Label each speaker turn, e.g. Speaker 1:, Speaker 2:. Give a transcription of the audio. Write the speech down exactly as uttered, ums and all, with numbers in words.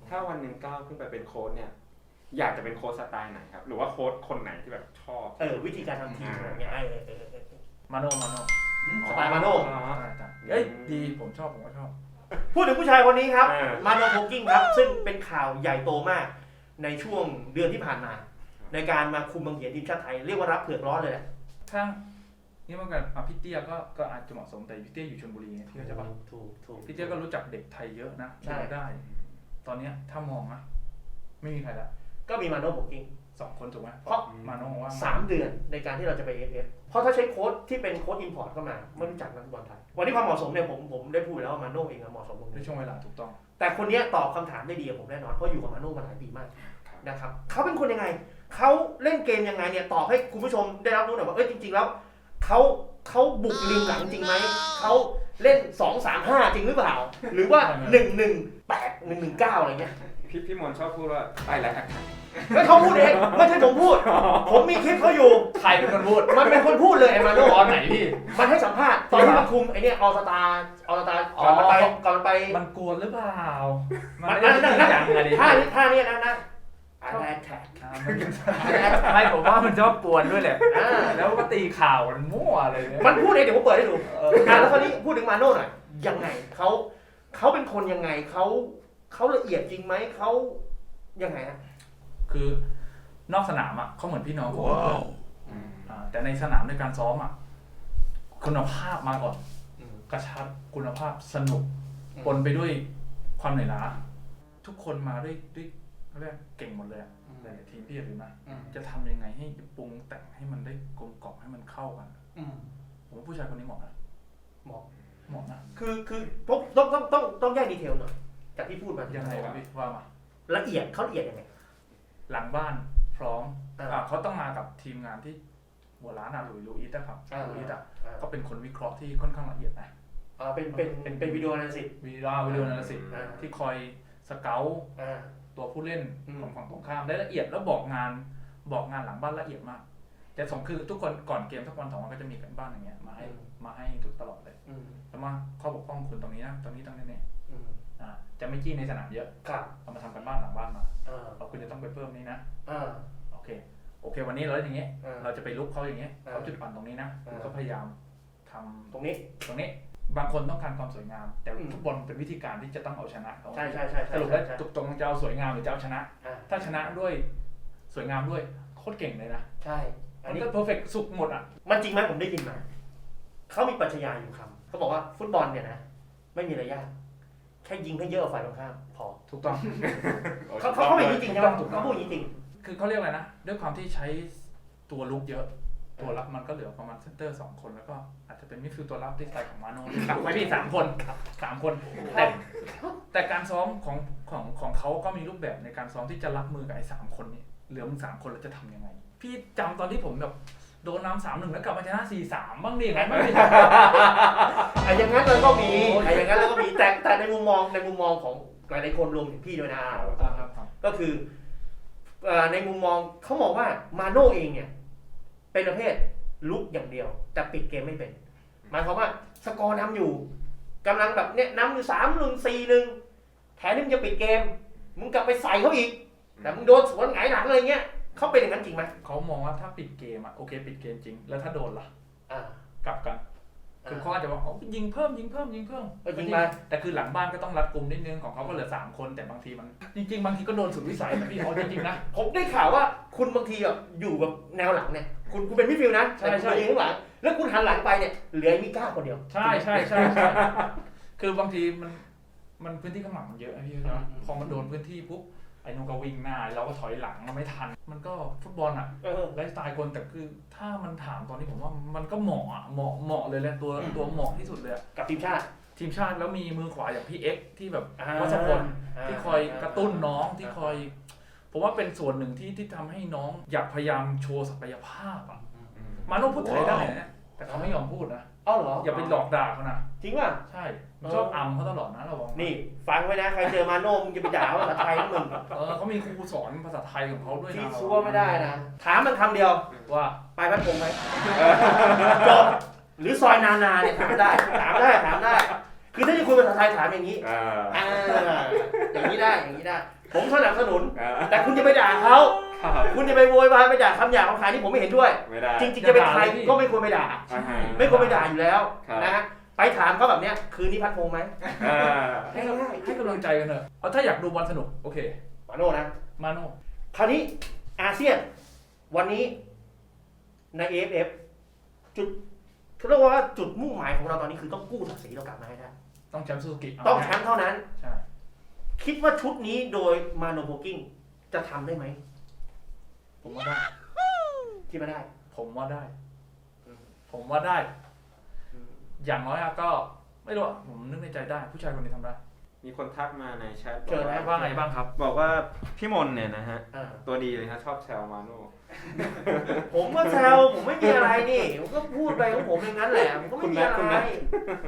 Speaker 1: ถ้าวันหนึ่งก้าวขึ้นไปเป็นโค้ชเนี่ยอยากจะเป็นโค้ชสไตล์ไหนครับหรือว่าโค้ชคนไหนที่แบบชอบ
Speaker 2: เออวิธีการทำทีมอะไรเงี้ยเออเออเออ
Speaker 3: มาโนมาโน
Speaker 2: สไตล์มาโน่
Speaker 3: เอ้ยดีผมชอบผมก็ชอบ
Speaker 2: พูดถึงผู้ชายคนนี้ครับมาโนโพกิ้งครับซึ่งเป็นข่าวใหญ่โตมากในช่วงเดือนที่ผ่านมาในการมาคุมบังเหียนทีมชาติไทยเรียกว่ารับเผือกร้อนเลยแหละ
Speaker 3: ทั้งนี่เมื่อกี้อ่ะพี่เตี้ยก็ก็อาจจะเหมาะสมแต่พี่เตี้ยอยู่ชลบุรีพี่เข้าใจป่ะ
Speaker 2: ถูกถูก
Speaker 3: พี่เตี้ยก็รู้จักเด็กไทยเยอะนะใช่ได้ตอนนี้ถ้ามองนะไม่มีใครละ
Speaker 2: ก็มีมาโนโพกิ้ง
Speaker 3: สองคนถูกไหม
Speaker 2: เพราะ
Speaker 3: มาโนว่า
Speaker 2: สามเดือนในการที่เราจะไป เอ เอฟ เอฟ เพราะถ้าใช้โค้ชที่เป็นโค้ชอินพอร์ตเข้ามาไม่รู้จักนักบอลไทยวันนี้ความเหมาะสมเนี่ยผมผมได้พูดแล้วว่ามาโนเองเหมาะสมตรงนี้
Speaker 3: ในช่วงเวลาถูกต้อง
Speaker 2: แต่คนนี้ตอบคำถามได้ดีกับผมแน่นอนเพราะอยู่กับมาโนมาหลายปีมากนะครับเขาเป็นคนยังไงเขาเล่นเกมยังไงเนี่ยตอบให้คุณผู้ชมได้รับรู้หน่อยว่าเอ้ยจริงๆแล้วเขาเขาบุกริมหลังจริงไหมเขาเล่นสอง สาม ห้าจริงหรือเปล่าหรือว่าหนึ่ง หนึ่ง แปด หนึ่ง หนึ่ง เก้าอะไรเงี้ย
Speaker 1: พี่พี่มนชอบพูดว่าไปแล้วครับ
Speaker 2: ไม่เขาพูดเองไม่ใช่ผมพูดผมมีคลิปเขาอยู่
Speaker 3: ใครเป็นคนพูด
Speaker 2: มันเป็นคนพูดเลยไอ้มาโน่
Speaker 3: ตอนไหนพี่
Speaker 2: มันให้สัมภาษณ์ตอนที่มาคุมไอ้นี่ออสตาออสตาก่อนมันไปก่อนมันไป
Speaker 3: มันกวนหรือเปล่า
Speaker 2: มันนั่นนั่นนั่นท่านี้ท่านี้นะนะอะไรแท็ก
Speaker 3: ไม่ผมว่ามันชอบกวนด้วยแหละแล้วก็ตีข่าวมันมั่วอะไรเนี่ย
Speaker 2: มันพูดเองเดี๋ยวผมเปิดให้ดูอ่าแล้วคราวนี้พูดถึงมาโน่หน่อยยังไงเขาเขาเป็นคนยังไงเขาเขาละเอียดจริงไหมเขายังไงฮะ
Speaker 3: คือนอกสนามอ่ะเขาเหมือนพี่น้องผมแต่ในสนามในการซ้อมอ่ะคุณภาพมาก่อนกระชับคุณภาพสนุกปนไปด้วยความเหนื่อยล้าทุกคนมาด้วยด้วยเขาเรียกเก่งหมดเลยหลายทีมพี่ถือนะจะทำยังไงให้ปรุงแต่งให้มันได้กลมกล่อมให้มันเข้ากันผมว่าผู้ชายคนนี้เหมาะนะ
Speaker 2: เหมาะ
Speaker 3: เหมาะนะ
Speaker 2: คือคือต้องต้องต้องต้องต้องแยกดีเทลหน่อยจากที่พูดมา
Speaker 3: ยังไงครับพี่ว่ามา
Speaker 2: ละเอียดเขาละเอียดยังไง
Speaker 3: หลังบ้านพร้อมเขาต้องมากับทีมงานที่หัวร้านอะหลุยลูอิสนะครับลูอิสอะก็เป็นคนวิเคราะห์ที่ค่อนข้างละเอียดนะ
Speaker 2: อ่าเป็นเป็นเป็นเป็นวิดีโอนาลิซิส
Speaker 3: วิดีโอวิดีโอนาลิซิสที่คอยสเกลตัวผู้เล่นของฝั่งตรงข้ามได้ละเอียดแล้วบอกงานบอกงานหลังบ้านละเอียดมากแต่สองคือทุกคนก่อนเกมสักวันสองวันก็จะมีกันบ้านอย่างเงี้ยมาให้มาให้ทุกตลอดเลยแล้วมาข้อบกพร่องคุณตรงนี้นะตรงนี้ตรงนี้เนี่ยจะไม่จี้ในสนามเยอะเอามาทำกันบ้านหลังบ้านมาเราคุณจะต้องไปเพิ่มนี้นะโอเคโอเควันนี้เราอย่างเงี้ยเราจะไปลุกเขาอย่างเงี้ยเขาจุดอ่อนตรงนี้นะคุณก็พยายามทำ
Speaker 2: ตรงนี้
Speaker 3: ตรงนี้บางคนต้องการความสวยงามแต่ฟุตบอลเป็นวิธีการที่จะต้องเอาชนะเขา
Speaker 2: ใช่ใช่ใช่
Speaker 3: สรุปแล้วตรงจะเอาสวยงามหรือจะเอาชนะถ้าชนะด้วยสวยงามด้วยโคตรเก่งเลยนะ
Speaker 2: ใช่
Speaker 3: อันนี้ก็เพอร์เฟกต์สุกหมดอ่ะ
Speaker 2: มันจริงไหมผมได้ยินมาเขามีปรัชญาอยู่คำเขาบอกว่าฟุตบอลเนี่ยนะไม่มีอะไรยากแค่ยิงให้เยอะฝ่ายตรงข้ามพอ
Speaker 3: ถูกต้อง
Speaker 2: เขาเขาเป็นจริงใช่ไหมเขาพูดจริง
Speaker 3: คือเขาเรียกอะไรนะด้วยความที่ใช้ตัวลุกเยอะตัวรับมันก็เหลือประมาณเซนเตอร์สองคนแล้วก็อาจจะเป็นมิดฟิลด์ตัวรับที่สไตล์ของมาโน่ไม่พี่สามคนสามคนแต่แต่การซ้อมของของของเขาก็มีรูปแบบในการซ้อมที่จะรับมือกับไอ้สามคนนี้เหลือมึงสามคนแล้วจะทำยังไงพี่จำตอนที่ผมแบบโดนน้ำสามหนึ่งแล้วกลับมาชนะสี่สามบ้างดิไงไม่ได้
Speaker 2: ไอ้อย่างนั้นเราก็มีไอ้อย่างนั้นเราก็มีแต่แต่ในมุมมองในมุมมองของหลายๆคนรวมถึงพี่ด้วยนะก็คือในมุมมองเขามองว่ามาโน่เองเนี่ยเป็นประเภทลุกอย่างเดียวแต่ปิดเกมไม่เป็นหมายความว่าสกอร์นำอยู่กำลังแบบเนี้ยนำอยู่สามหนึ่งสี่หนึ่งแถมนี่มึงจะปิดเกมมึงกลับไปใส่เขาอีกแต่มึงโดนสวนหงายหลังอะไรเงี้ยเขาเป็นอย่างนั้นจริงไหม
Speaker 3: เขามองว่าถ้าปิดเกมอ่ะโอเคปิดเกมจริงแล้วถ้าโดนล่ะกลับกันคือเขาอาจจะบอกอ๋อยิงเพิ่มยิงเพิ่มยิงเพิ่ม
Speaker 2: ยิงไป
Speaker 3: แต่คือหลังบ้านก็ต้องรัดกุมนิดนึงของเขาก็เหลือสามคนแต่บางทีมันจริงๆบางทีก็โดนสุดวิสัยนะพี่อ๋อจริงๆนะ
Speaker 2: ผมได้ข่าวว่าคุณบางทีแบบอยู่แบบแนวหลังเนี่ยคุณคุณเป็นมิดฟิลด์นะ
Speaker 3: ใช่ใช่
Speaker 2: ยิงข้างหลังแล้วคุณหันหลังไปเนี่ยเหลือมีก้าคนเดียว
Speaker 3: ใช่ใช่ใช่คือบางทีมันมันพื้นที่ข้างหลังมันเยอะนะพี่ใช่ไหมพอมันโดนพื้นที่ปุ๊บไอ้นุ่งก็วิ่งหน้าเราก็ถอยหลังเราไม่ทันมันก็ฟุตบอลอ่ะไลฟ์สไตล์คนแต่คือถ้ามันถามตอนนี้ผมว่ามันก็เหมาะอ่ะเหมาะเหมาะเลยแหละตัวตัวเหมาะที่สุดเลย
Speaker 2: กับทีมชาติ
Speaker 3: ทีมชาติแล้วมีมือขวาอย่างพี่เอ็กที่แบบวัชพลที่คอยกระตุ้นน้องที่คอยผมว่าเป็นส่วนหนึ่งที่ที่ทำให้น้องอยากพยายามโชว์ศักยภาพอ่ะมาโน่พูดไทยได้นะแต่เขาไม่ยอมพูดนะ
Speaker 2: อ้าวเหรอ
Speaker 3: อย่าไปหลอกด่าเขานะ
Speaker 2: จริงป่ะ
Speaker 3: ใช่ชอบอัมเขาตลอดนะเราบอก
Speaker 2: นี่ฟังไว้นะใครเจอมาโน่มึงจะไปด่าภาษาไทยนะมึง
Speaker 3: เออเขามีครูสอนภาษาไทยของเขาด้วยนะ
Speaker 2: ที่ซัวไม่ได้นะถามมันคำเดียว
Speaker 3: ว่า
Speaker 2: ไปพัดพงไหมจบหรือซอยนานาเนี่ยถามได้ถามได้ถามได้คือถ้าจะคุยภาษาไทยถามอย่างนี้อ่าอย่างนี้ได้อย่างนี้ได้ผมสนับสนุน
Speaker 1: อ่า
Speaker 2: แต่คุณจะไปด่าเขา
Speaker 1: ครับ
Speaker 2: คุณจะไปโวยวายไปด่าคำหยาบคำขายที่ผมไม่เห็นด้วย
Speaker 1: ไม่ได้
Speaker 2: จริงๆจะเป็นใครก็ไม่ควรไปด่า
Speaker 1: อ่าฮะ
Speaker 2: ไม่ควรไปด่าอยู่แล้ว
Speaker 1: ครับ
Speaker 2: นะฮะไปถามเขาแบบเนี้ยคืนนี้พัดพงษ์ไหม
Speaker 1: อ่า
Speaker 3: ให้กำลังให้กำลังใจกันเถอะเอาถ้าอยากดูบอลสนุกโอเค
Speaker 2: มาโน่นะ
Speaker 3: มาโน่
Speaker 2: คราวนี้อาเซียนวันนี้ใน เอ เอฟ เอฟ จุดเขาเรียกว่าจุดมุ่งหมายของเราตอนนี้คือต้องกู้ศักดิ์ศรีเรากลับมาให้ได้
Speaker 3: ต้องแชมป์ซูซูกิ
Speaker 2: ต้องแชมป์เท่านั้น
Speaker 3: ใช่
Speaker 2: คิดว่าชุดนี้โดยมาโนโพกิ้งจะทำได้ไหม
Speaker 3: ผมว่าได้
Speaker 2: คิดว่าได้
Speaker 3: ผมว่าได้
Speaker 2: อืม
Speaker 3: ผมว่าได้
Speaker 2: อืม
Speaker 3: อย่างน้อยอะก็ไม่รู้อะผมนึกในใจได้ ผู้ชายคนนี้ทำได้
Speaker 1: มีคนทักมาในแชท
Speaker 2: เจอแล้ว
Speaker 3: ว่าไงบ้างครับ
Speaker 1: บอกว่าพี่มนเนี่ยนะฮะ
Speaker 2: อ่า
Speaker 1: ตัวดีเลยครับชอบแซวมาโน่
Speaker 2: ผมก็แซวผมไม่มีอะไรนี่ผมก็พูดไปของผมอย่างนั้นแหละผมก็ไม่มีอะไร